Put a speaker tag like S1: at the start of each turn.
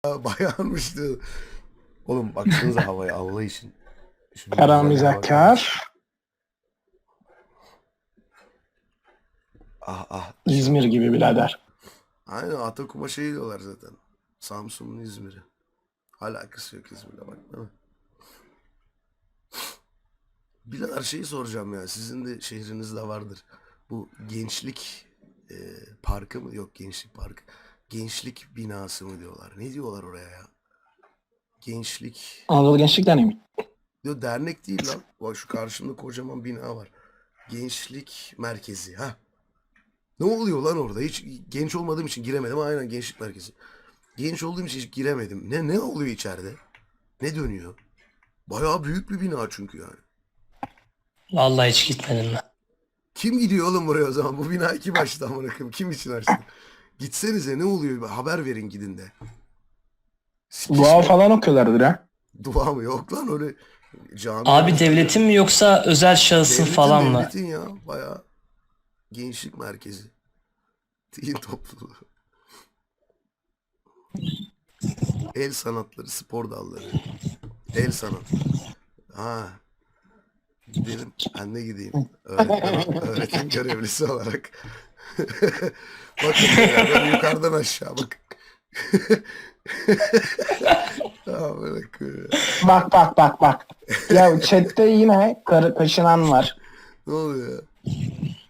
S1: Bayağımıştı. Oğlum baksanıza havaya Allah için. Şunun
S2: Kara
S1: güzelliğine bakar mısın?
S2: mizahkar.
S1: Ah ah.
S2: İzmir gibi birader.
S1: Aynen Atakuma şey diyorlar zaten. Samsun'un İzmir'i. Alakası yok İzmir'le bak değil mi? Birader şeyi soracağım ya. Sizin de şehrinizde vardır. Bu gençlik parkı mı? Yok gençlik parkı. Gençlik binası mı diyorlar? Ne diyorlar oraya ya? Gençlik.
S2: Anadolu Gençlik Derneği mi?
S1: Diyor dernek değil lan. Bak şu karşımda kocaman bina var. Gençlik merkezi. Ha. Ne oluyor lan orada? Hiç genç olmadığım için giremedim. Aynen gençlik merkezi. Genç olduğum için hiç giremedim. Ne oluyor içeride? Ne dönüyor? Bayağı büyük bir bina çünkü yani.
S3: Vallahi hiç gitmedim ben.
S1: Kim gidiyor oğlum buraya o zaman? Bu binayı kim açtı amına koyayım? Kim için açtı? Gitsenize ne oluyor? Haber verin gidin de.
S2: Dua falan okuyorlardır ha.
S1: Dua mı? Yok lan öyle cami.
S3: Abi devletin mi yoksa özel şahısın falan mı?
S1: Devletin ya. Bayağı gençlik merkezi. Din topluluğu. El sanatları, spor dalları. El sanatı. Ha. Gidelim. Ben de gideyim. Öğretim görevlisi olarak. Bakın beraber yukarıdan aşağı bak.
S2: Bak. Ya chatte yine kaşınan var.
S1: Ne oluyor ya?